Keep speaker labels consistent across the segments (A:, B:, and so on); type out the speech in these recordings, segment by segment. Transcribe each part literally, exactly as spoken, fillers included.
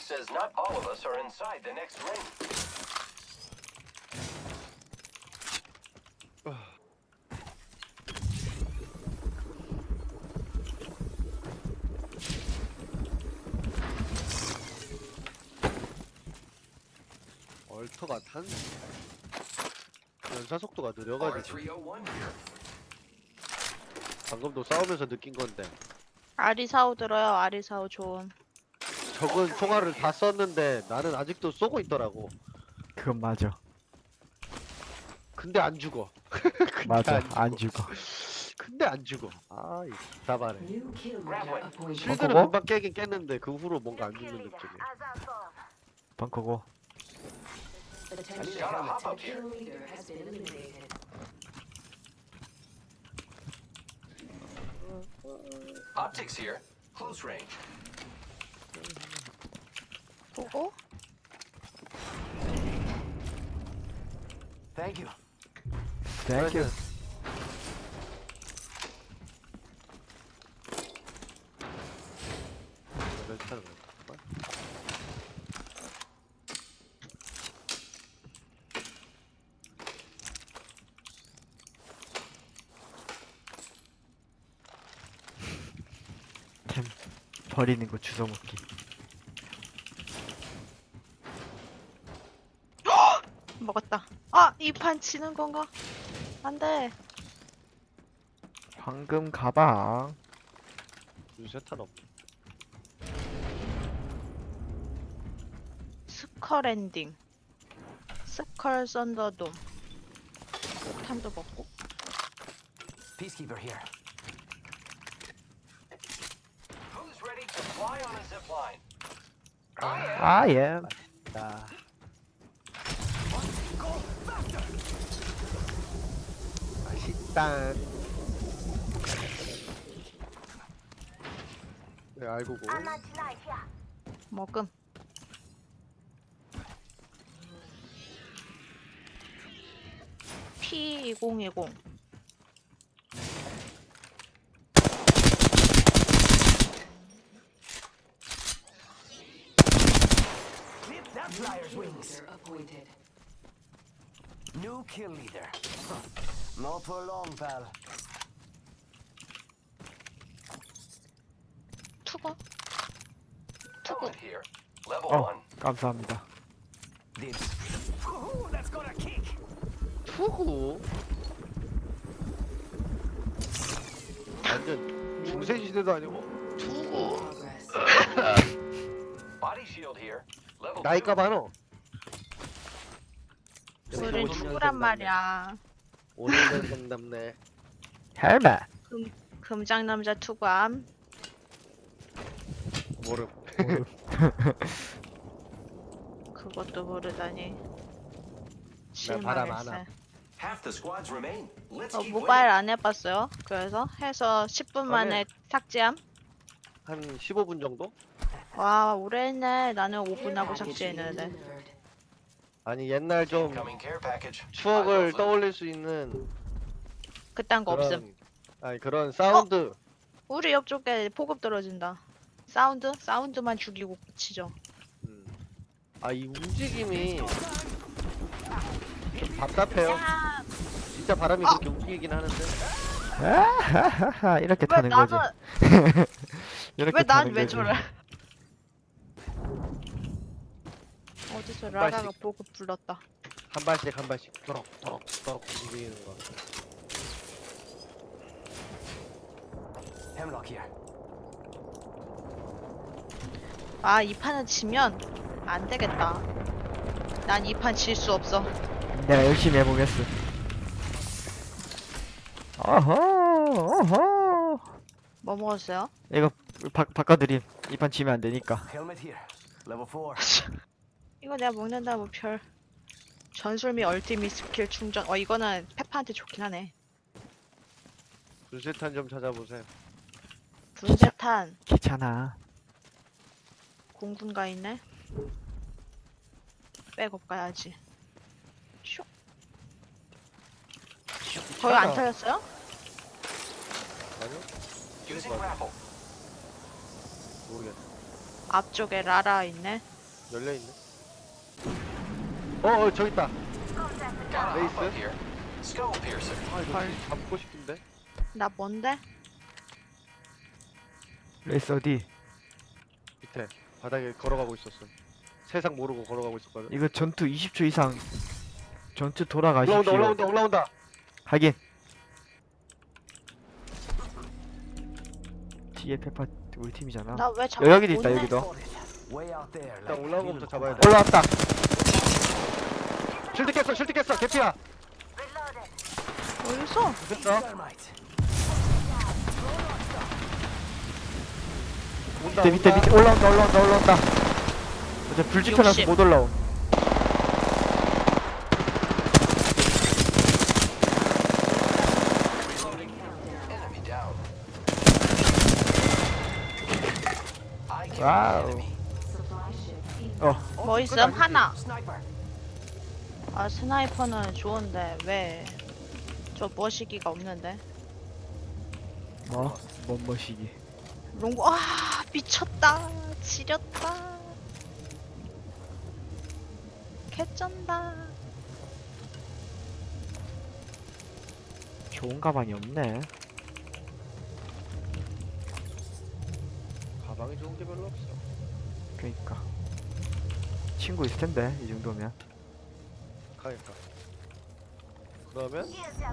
A: says not all of us are inside the next ring.
B: 얼터가 탄 연사 속도가 느려가지고 방금도 싸우면서 느낀 건데
C: 아리사오 들어요. 아리사오 좋음.
B: 적은 총알을 다 썼는데 나는 아직도 쏘고 있더라고.
D: 그건 맞아.
B: 근데 안 죽어. 근데
D: 맞아.
B: 안 죽어.
D: 안 죽어.
B: 근데 안 죽어. 아이 답하네.
E: New kill leader appointed.
B: 실드는
D: 벙커고?
B: 금방 깨긴 깼는데 그 후로 뭔가 안 죽는 느낌이.
D: 벙커고.
E: Attention.
A: Gotta hop up here.
E: Kill leader has been eliminated.
A: Optics here. Close range.
C: 보고
A: Thank you.
D: Thank you.
B: 괜찮은 거 같아.
D: 템 버리는 거 주워 먹기.
C: 먹었다. 아, 이 판 지는 건가? 안 돼.
D: 황금 가방.
B: 유세탄 없네.
C: 스컬 엔딩. 스컬 썬더돔. 탄도 먹고.
A: Peacekeeper here. Who's ready to fly on a zip line? I am.
D: 아 예.
B: 나 맛있다. 네 알고 고.
C: 먹음. 피 이공이공.
A: Clip that flyer's wings.
E: Leader appointed.
A: New kill leader. Not for long, pal.
C: 투거. 투거.
A: Helmet here. Level
D: 어
A: one.
D: 감사합니다.
A: Dibs. Ooh, that's got a kick.
B: 투구. 완전 중세 시대도 아니고 투구.
E: Progress.
A: Body shield here. Level
B: 나이가
A: two.
B: 많어.
C: 우린 투구란 말이야.
B: 오래된 상담네.
D: 헬멧.
C: 금장 남자 투구함.
B: 모름.
C: 그것도 모르다니.
B: 나 바람 안
C: 실망했어.
B: 와.
A: Half the squads remain. Let's
C: 어,
A: keep
C: 모바일
A: winning.
C: 안 해봤어요. 그래서 해서 십 분 만에 삭제함.
B: 한 십오 분 정도?
C: 와 오래 했네. 나는 오 분 하고
E: Package
C: 삭제했는데.
E: delivered.
B: 아니 옛날 좀
A: Incoming care package.
B: 추억을 떠올릴 수 있는
C: 그딴 거 없음.
B: 그런 아니 그런 사운드.
C: 우리 옆쪽에 보급 떨어진다. 사운드? 사운드만 죽이고 끝이죠.
B: 음. 아 이 움직임이 좀 답답해요.
C: 야,
B: 진짜 바람이
C: 어.
B: 그렇게 움직이긴 하는데.
D: 아하하하 이렇게
C: 왜
D: 타는 거지.
C: 나는
D: 이렇게
C: 왜 난
D: 타는
C: 왜
D: 거지.
C: 저래? 어디서 라라가 보급 불렀다.
B: 한 발씩 한 발씩 또록 또록 또록 움직이는 거.
A: Hemlock here.
C: 아, 이 판은 지면 안 되겠다. 난 이 판 질 수 없어.
D: 내가 열심히 해보겠어. 어허 어허.
C: 뭐 먹었어요?
D: 이거 바, 바꿔드림. 이 판 지면 안 되니까.
A: Helmet here. Level four.
C: 이거 내가 먹는다 뭐 별. 전술미 얼티밋 스킬 충전. 어 이거는 페파한테 좋긴 하네.
B: 분쇄탄 좀 찾아보세요.
C: 분쇄탄
D: 귀찮아.
C: 공군가 있네. 백업 가야지. 슉. 슉. 거의 안 털렸어요?
B: 아니요?
A: Using raffle.
B: 모르겠어.
C: 앞쪽에 라라 있네.
B: 열려있네. 어, 어 저기 있다.
A: Gotta hop
B: Base.
A: up here. Skull piercer.
B: 아 이거 잡고 싶은데.
C: 나 뭔데?
D: 레이스 어디?
B: 밑에 바닥에 걸어가고 있었어. 세상 모르고 걸어가고 있었거든.
D: 이거 전투 이십 초 이상 전투
B: 올라온다
D: 돌아가십시오.
B: 올라온다 올라온다.
D: 하긴. 뒤에 페파 우리 팀이잖아.
C: 나 왜 자꾸
D: 여기도 있다,
C: 못 내?
D: 여기도.
A: Way out there.
B: 일단 올라온 거부터 잡아야 돼.
D: 올라왔다.
B: 실드 깼어 실드 깼어 개피야.
C: 어딨어?
B: 됐어. 온다
D: 밑에 밑에
B: 온다.
D: 밑에 올라온다 올라온다 올라온다. 어제 불 지펴놔서
C: 육십.
D: 못 올라옴.
A: Enemy down. I killed the
D: 와우.
A: enemy.
E: Supply ship in.
D: 어
C: 뭐 있음? 하나.
A: Sniper.
C: 아 스나이퍼는 좋은데 왜 저 머시기가 없는데?
D: 뭐? 뭔 머시기.
C: 롱보 아 미쳤다 지렸다 개쩐다.
D: 좋은 가방이 없네.
B: 가방이 좋은 게 별로 없어.
D: 그니까 친구 있을 텐데 이 정도면.
B: 가니까. 그러면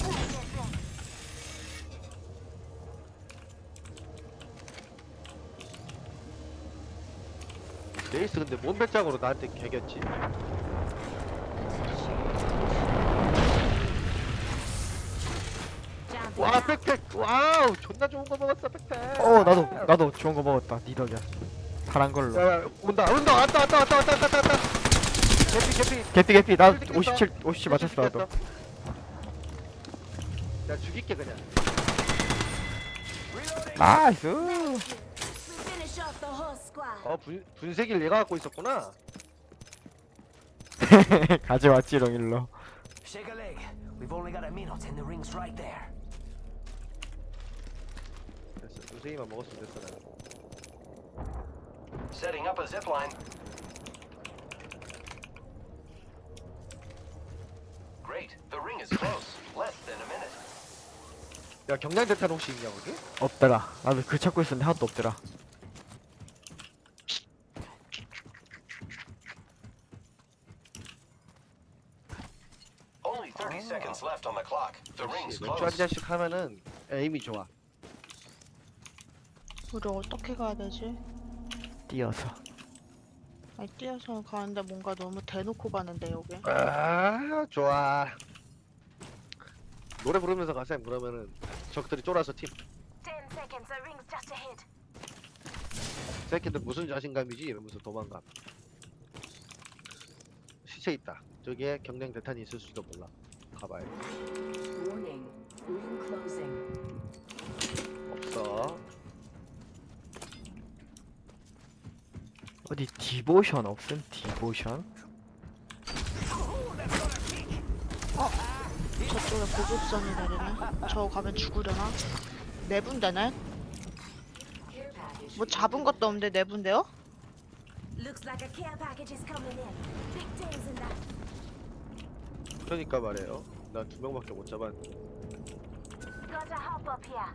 B: 레이스 근데 몸 배짱으로 나한테 개겼지. 와 백팩 와우 존나 좋은 거 먹었어 백팩.
D: 어 나도 나도 좋은 거 먹었다. 니 덕이야. 파란 걸로.
B: 야, 야 온다 온다 왔다 왔다 왔다 왔다 왔다 왔다. 개피 개피.
D: 개피 개피 나
B: 실드 깼어.
D: 오십칠 오십칠 맞췄어 나도.
B: 야 죽일게 그냥.
D: 나이스.
F: We finish off the whole squad.
B: 어 분, 분쇄기를 얘가 갖고 있었구나.
D: 가져왔지롱 일로.
A: Shake a leg. We've only got a minute and the ring's right there.
B: 됐어 분쇄기만 먹었으면 됐어 나는.
A: Setting up a zip line. Great. The ring is close. Less than a minute.
B: 야 경량대탄 혹시 있냐 거기?
D: 없더라. 나도 그 찾고 있었는데 하나도 없더라.
A: Only thirty seconds left on the clock. The ring's
B: 맥주 한
A: close.
B: 잔씩 하면은 에임이 좋아.
C: 우리 어떻게 가야 되지?
D: 뛰어서.
C: 아니 뛰어서 가는데 뭔가 너무 대놓고 가는데 여기.
B: 아 좋아. 노래 부르면서 가셈 그러면은 적들이 쫄아서 팀.
F: Ten seconds, the ring's just ahead.
B: 새끼들 무슨 자신감이지 이러면서 도망가. 시체 있다. 저기에 경량 대탄이 있을 수도 몰라. 가봐야 돼.
E: Warning. Ring closing.
B: 없어.
D: 어디 디보션 없음? 디보션?
C: 저쪽에 보급선이 내리네. 저 가면 죽으려나? 네 분대네?
E: Care package.
C: 뭐 잡은 것도 없는데 네 분대요?
F: Looks like a care package is coming in. Big things in that.
B: 그러니까 말이에요. 나 두 명밖에 못 잡았는데.
F: Gotta hop up here.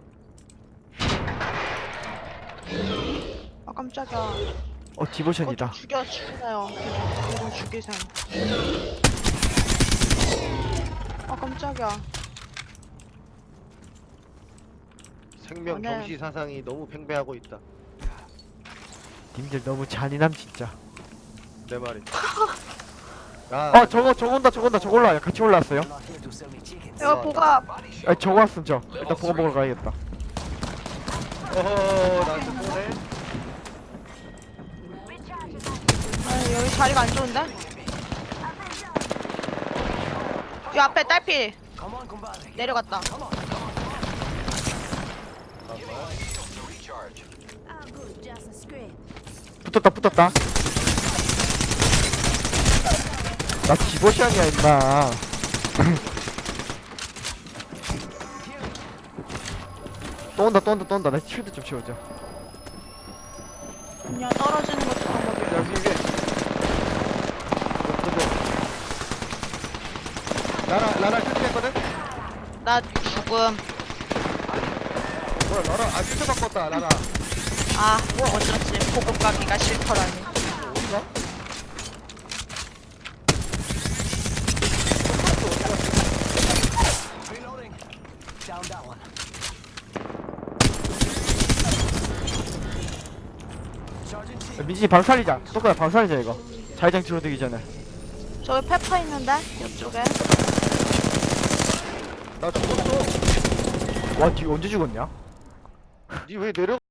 C: 아 깜짝이야.
D: 어 디보션이다.
C: 어, 좀 죽여 죽이세요. 걔좀 죽이셈. 아 깜짝이야.
B: 생명
C: 어, 네.
B: 경시 사상이 너무 팽배하고 있다.
D: 님들 너무 잔인함 진짜.
B: 내 말이. 야,
D: 어 저거 저거 온다 저거 온다 저거 올라와요. 같이 올라왔어요.
A: Not here to sell me chickens.
C: 야 보가
A: Body
D: 아
A: shield.
D: 저거 왔음 저. 일단 보고 먹으러 가야겠다.
B: 어허, 나한테 보내.
F: Recharge that.
C: 아니, 여기 자리가 안 좋은데? 이 앞에 딸피
A: Come on, compadre.
C: 내려갔다.
A: Come on, come on. Give me my shield to recharge.
F: Oh, good, just a scrape.
D: 붙었다 붙었다. 나 디보션이야 임마. 또 온다 또 온다 또 온다. 나 쉴드 좀 치워줘.
C: 그냥 떨어지는 것도 방법이야.
B: 야, 위에, 위에. 라라 라라 실패했거든?
C: 나 죽음.
B: 뭐야 라라 아 실패 바꿨다 라라.
C: 아, 어쩌지. 보급 가기가 싫더라니.
B: 어디가?
A: Reloading. Down that one. Sergeant T.
D: 야, 민진이 방 살리자. 똑같아 방 살리자 이거. 자기장 줄어들기 전에.
C: 저기 페퍼 있는데? 이쪽에.
B: 나 죽었어.
D: 와 뒤 언제 죽었냐?
B: 니 왜 내려?